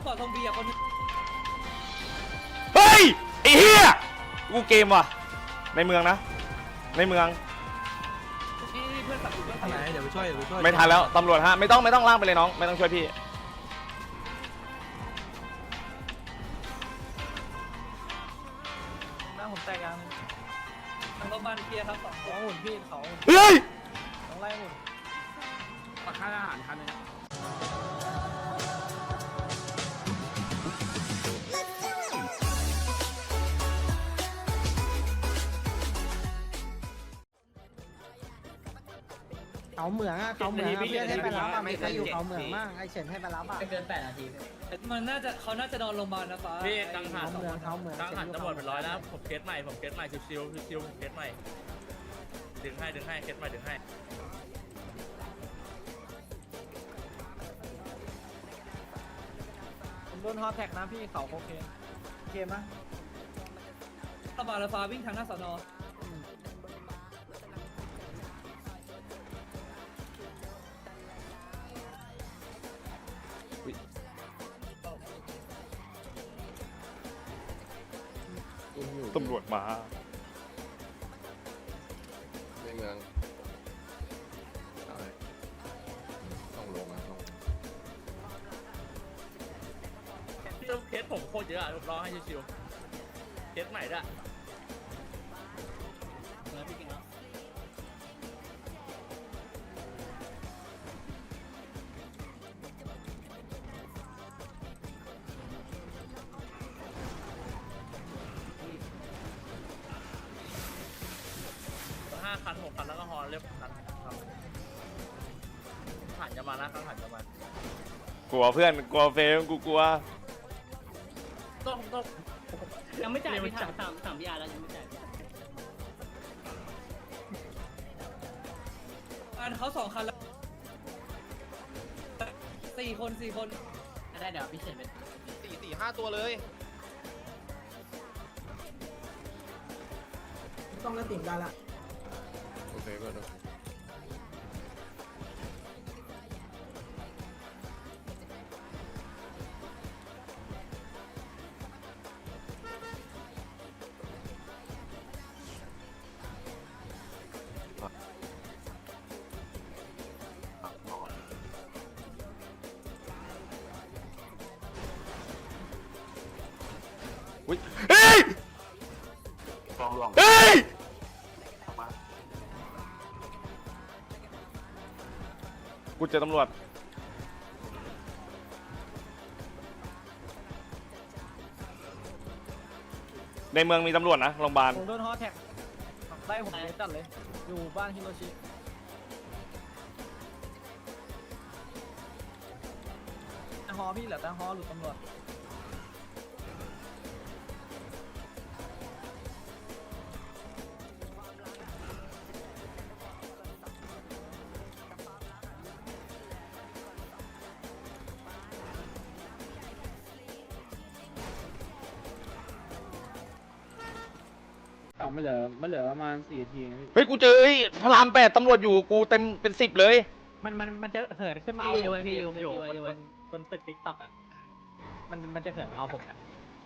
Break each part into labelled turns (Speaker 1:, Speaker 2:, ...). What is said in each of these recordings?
Speaker 1: ขอทองเบียร์คนนึง
Speaker 2: เฮ้ยไอ้เหี้ยกูเกมว่ะในเมืองนะในเมือง
Speaker 1: นี่เพื่อนตัดอยู่เพื่อน
Speaker 3: ทางไหนเดี๋ยวไปช่วย
Speaker 2: ไม่ทันแล้วตำรวจฮะไม่ต้องลากไปเลยน้องไม่ต้องช่วยพี่
Speaker 3: หน้าผมแตกยัง
Speaker 1: ทางโรงพยาบาลเคลียร์ครับสอง
Speaker 3: เขาหุ่นพี่เขา
Speaker 2: เฮ้ย
Speaker 3: ต้องไล่หุ่น
Speaker 4: ปักค่าอาหารคันนึง
Speaker 3: เขาเหมืองอ่ะเขาเหมืองอ่ะเพื่อนให้ไปรับอ่ะไม่ใครอยู่เขาเหมืองมากไอเฉินให้ไปรับอ่ะ
Speaker 5: เกิน8 นาที
Speaker 1: มันเขาน่าจะนอนโรงพยาบาลนะฟ้า
Speaker 4: พี่กังหัน
Speaker 3: เขาเหมืองเขาเหมือง
Speaker 4: กังหันตำรวจเป็นร้อยแล้วผมเคสใหม่ชิวผมเคสใหม่ดึงให้เคสใหม่ดึงให้
Speaker 3: ผมโดนฮอตแท็กนะพี่เขาโอเคโอเคมั้ย
Speaker 1: ตำรวจฟ้าวิ่งทางหน้าสอนอ
Speaker 2: ตำรวจมา
Speaker 6: ในเมืองต้องลงนะต้อง
Speaker 4: พี่เคสผมโคตรเยอะรอให้ชิวเคสใหม่ด้วย
Speaker 5: แล้วพี่กินแล้ว
Speaker 4: 5 คัน 6 คันแล้วก็ฮอเรียบคันครับผ่านจะมาแล้วผ่านจะมาก
Speaker 2: ลัวเพื่อนกลัวเฟรมกูกลัว
Speaker 4: ต้อง
Speaker 5: ยังไม่จ่ายพี่ถามพี่อาร์แล้วยังไม่จ่าย
Speaker 1: อันเขา2 คันแล้ว4 คน
Speaker 5: ได้เดี๋ยวพี่เฉินไป
Speaker 6: 4-5 ตัวเลย
Speaker 3: ต้องกระติ่งได้ละ
Speaker 6: โอเคก็ได้
Speaker 2: อุ๊ยเฮ้ยเฮ้ยกูเจอตำรวจในเมืองมีตำรวจนะโรงพยาบาล
Speaker 3: ผมโดนฮอตแท็กไล่ผมเลยจัดเลยอยู่บ้านฮิโรชิฮอพี่เหลือแต่ฮอหลุดตำรวจ
Speaker 4: ไม่เหลือประมาณ4 นาที
Speaker 2: เฮ้ยกูเจอไอ้พระราม8ตำรวจอยู่กูเต็มเป็น10เลย
Speaker 3: มันจะเหินขึ้นมาเอาพี่อยู่บนตึกติ๊กต็อกอ่ะมันจะเหินเอาผมอ่ะ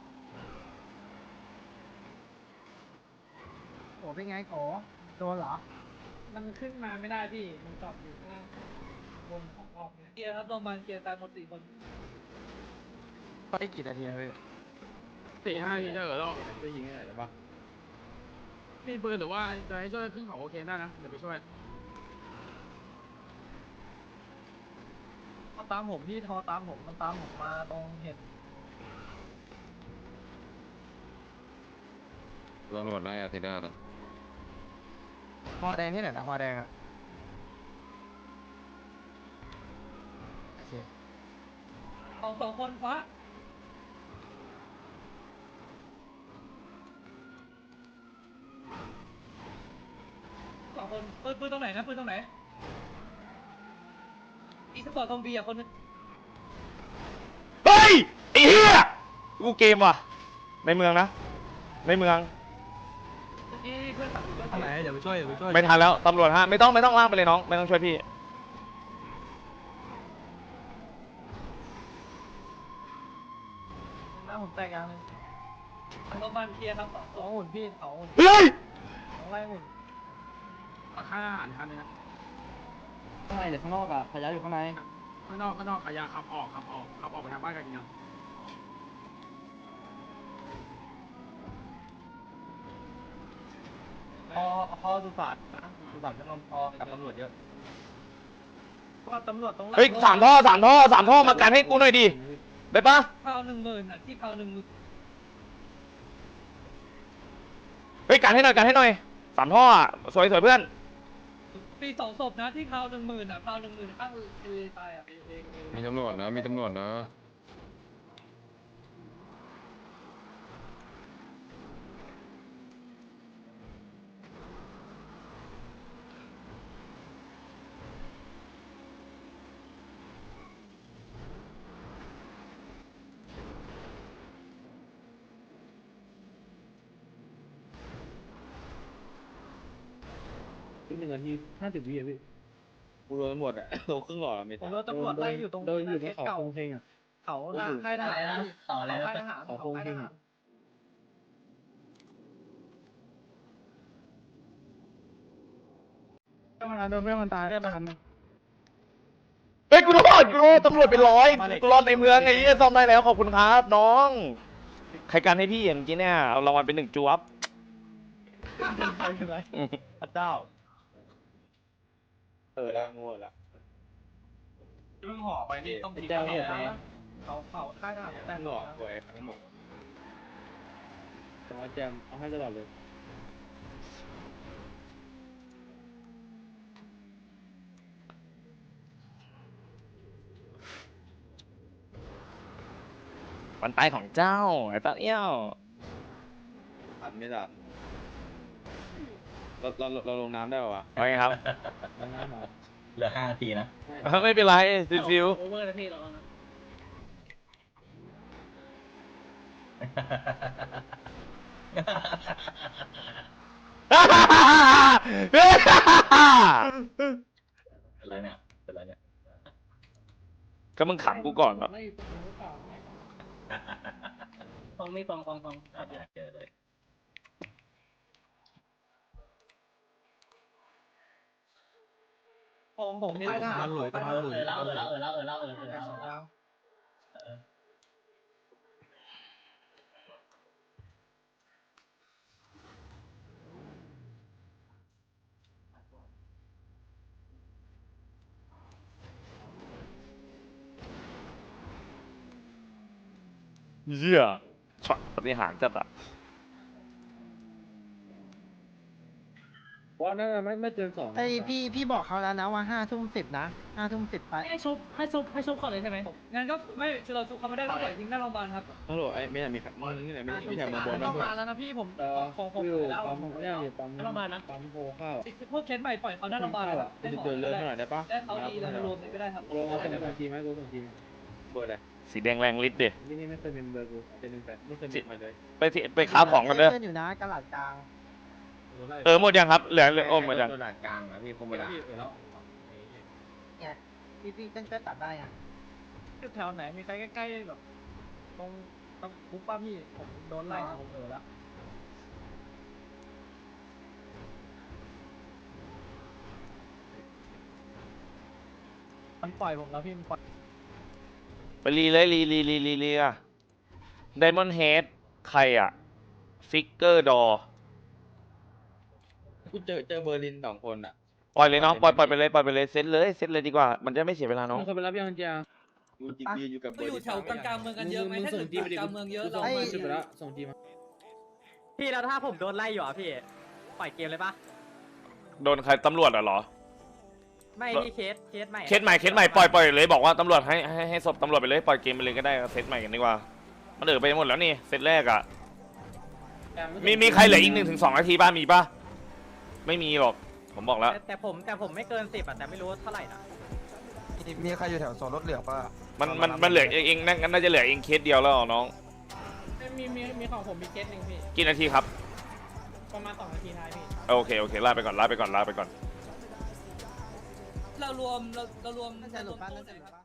Speaker 3: โอ้เป็นไงโอ้โดนเหรอ
Speaker 4: มันขึ้นมาไม่ได้พี่มันจอดอยู่ข้างล่างบนของออกเนี่ย
Speaker 1: เคลียร์ครับโรงพยาบาลเคลียร์ตายหมด4 คน
Speaker 3: ไปกี่นาทีนะพี่
Speaker 4: 4-5 นาทีถ้าเกิดเราไปยิงอะไรหรือเปล่ามีปืนหรือว่าจะให้ช่วยขึ้นเขาโอเคได้นะเดี๋ยวไปช่วย
Speaker 3: เขาตามผมพี่ทอตามผมมันตามผมมาตรงเห็น
Speaker 6: ตำรวจไล่อาทิตย์หน้านะ
Speaker 3: ฮอแดงที่ไหนนะฮอแดงอ่ะโอเค
Speaker 1: 2 คนฟ้า2 คนปืนตรงไหนนะปืนตรงไหนอีสปอร์ตทองเบียร์คนนึง
Speaker 2: เฮ้ยไอ้เหี้ยกูเกมว่ะในเมืองนะในเมือง
Speaker 1: นี่เพื่อนตัดอยู่เพื่อน
Speaker 3: ทางไหนเดี๋ยวไปช่วย
Speaker 2: ไม่ทันแล้วตำรวจฮะไม่ต้องลากไปเลยน้องไม่ต้องช่วยพี่
Speaker 3: น้าผมแตกยังเลย
Speaker 1: โรงพยาบาลเคลียร์ครับ
Speaker 3: สองหุ่นพี่สองหุ่น
Speaker 2: เฮ้ย
Speaker 3: สองไล่หุ่น
Speaker 4: ค่าอาหารคันนึงนะ
Speaker 3: ข้างในหรือข้างนอกอะขยะอยู่ข้างใน
Speaker 4: ข้างนอกขยะขับออกไปทางบ้านกันยัง
Speaker 3: พอสุสานนะสุสานจะนอนพอกับตำรวจเยอะก็ตำรวจตรง
Speaker 2: เฮ้ยสามท่อมากันให้กูหน่อยดิได้ปะ
Speaker 1: เผา10,000อ่ะที่เผา10,000
Speaker 2: เฮ้ยกันให้หน่อยสามท่ออ่ะสวยเพื่อน
Speaker 1: ปี2 ศพนะที่เผา10,000อ่ะเผา10,000ข้างทะเลตายอ่ะ
Speaker 6: มีตำรวจนะมีตำรวจนะ
Speaker 3: 1 นาที 50 วิพี่
Speaker 6: กูโดนตำรวจอะโดนครึ่งหลอดมี
Speaker 3: ผมโดนตำรวจไล่อยู่ตรงเขาโคงเพลงอะเขาค่ายทหาร
Speaker 5: ต่ออะไร
Speaker 3: ค่ายท
Speaker 5: นะ
Speaker 3: หารเขาโคงเพลงอะ
Speaker 4: โดนเพื่อนมันตายได้ประกัน
Speaker 2: เฮ้ยกูรอดตำรวจเป็นร้อยกูรอดในเมืองไอ้เหี้ยซ่อมได้แล้วขอบคุณครับน้องใครกันให้พี่อย่างเมื่อกี้เนี่ยเอารางวัลเป็น1 จวบ
Speaker 3: พระเจ้า
Speaker 6: แล้วงวดละ
Speaker 1: เรื่องห่อไปนี่ต้อง
Speaker 3: เจ้าเหตุไหมเขาค่ายทหารแต่ง
Speaker 6: หลอกหวยทั้งหมด
Speaker 3: แต่ว่าแจมเอาให้ตลอดเลย
Speaker 2: วันตายของเจ้าไอ้ตาเอี้ยว
Speaker 6: อันไม่ทันเราลงน้ำได้ป่าวะ
Speaker 2: ว่าไงครับ
Speaker 5: เหลือ5 นาทีนะ
Speaker 2: ไม่เป็นไรฟิว
Speaker 5: โอเวอร์นะพี่เรานะ อะไรเนี่ยเป็นไรเนี่ย
Speaker 2: ก็มึงขังกูก่อนเหรอ
Speaker 5: ฟังไม่ฟังอาจจะเจอเลย
Speaker 3: ผมค่ายทหาร
Speaker 5: เล่า
Speaker 2: เหี้ยช็อตปฏิหารจัดอะ
Speaker 3: ว่าน่าจะไม่เกิน2
Speaker 7: ไอพี่บอกเขาแล้วนะว่า5 ทุ่ม 10นะ5 ทุ่ม 10ไป
Speaker 5: ให้ชุบก่อนเลยใช่ไหม
Speaker 1: งั้นก็ไม่เราทุกเขาไม่ได้ต้องปล่อยทิ้งหน้าโรงพยาบาลครับ
Speaker 6: ตำรวจไอ้ไม่ใช่มีมึงนี่ไหนไม่ใช่มาบน
Speaker 7: ต้องมาแล้วนะพี่ผม
Speaker 3: ผมแล้วผมเนี่ยอยู่ปั๊ม
Speaker 5: โรงพยาบาลนะ
Speaker 3: ปั๊มโพข้าว
Speaker 1: พวกเคสใหม่ปล่อยเขาหน้าโรงพยาบาลครับได้หมอ
Speaker 6: เดินเลื่อนเท่าไหร่ได้ปะ
Speaker 1: ได้เขาดีแล้วรวมเลยก็ได้ครับ
Speaker 3: ลงมาส่งทีไหมกูส่งที
Speaker 6: เบอร์อะไร
Speaker 2: สีแดงแรงฤทธิ์ดิ
Speaker 3: นี่ไม่เคยเป็นเบอร์กูเป็น1 8ไม่เคยเป็นมาเลย
Speaker 2: ไปค้าของกันเด้อ
Speaker 7: เพื่อนอยู่นะกระหลัดกลาง
Speaker 2: หมดยังครับเหลือโอ้หมดยัง
Speaker 6: ตัวหลักกลางอะพี่คงเวลา
Speaker 7: เนี่ยพี่เต้นตัดได้อ่ะ
Speaker 3: แถวไหนมีใครใกล้ๆแบบตรงคุกป้าพี่ผมโดนไล่ผมแล้วมันปล่อยผมแล้วพี่มันปล่อย
Speaker 2: ไปรีเลยรีอะไดมอนด์เฮดใครอะฟิกเกอร์ดอ
Speaker 6: กูเจอเบอร์ลิน2 คนอะ
Speaker 2: ปล่อยเลยน้องปล่อยไปเลยเซตเลยดีกว่ามันจะไม่เสียเวลาน้อง
Speaker 3: มึงเคยไปรับยังเจีย
Speaker 6: กูจิบยืนอยู่กับเบ
Speaker 1: ก็
Speaker 6: อ
Speaker 1: อ
Speaker 6: ร์
Speaker 1: ยู่
Speaker 6: ลิน
Speaker 1: แถวกลางเมืองกันเยอะไหมถ้าเกิดกลางเมืองเยอะเรา
Speaker 3: มา
Speaker 1: มา
Speaker 3: จุดไปแล้วส่งทีมา
Speaker 8: พี่แล้วถ้าผมโดนไล่อยู่อ่ะพี่ ปล่อยเกมเลยปะ
Speaker 2: โดนใครตำรวจเหรอ
Speaker 8: ไม่พี่เคสใหม่
Speaker 2: เคสใหม่ปล่อยเลยบอกว่าตำรวจให้ศพตำรวจไปเลยปล่อยเกมไปเลยก็ได้เซตใหม่กันดีกว่ามันไปหมดแล้วนี่เซตแรกอะมีใครเหลืออีก1 ถึง 2 นาทีป่ะมีป่ะไม่มีหรอกผมบอกแล้ว
Speaker 8: แต่ผมไม่เกิน10อ่ะแต่ไม่รู้เท่าไหร่นะ
Speaker 9: มีใครอยู่แถวโซนรถเหลืองป่ะ
Speaker 2: มันเหลือเองน่าจะเหลือเองเคสเดียวแล้วน้อง
Speaker 3: มีของผมมีเคสหนึ่งพี่
Speaker 2: กี่นาทีครับ
Speaker 3: ประมาณ2 นาทีท้ายพี่
Speaker 2: โอเคลาไปก่อน
Speaker 1: เรารวม
Speaker 7: น่าจะหลุดบ้านน่าจะหลุดบ้าน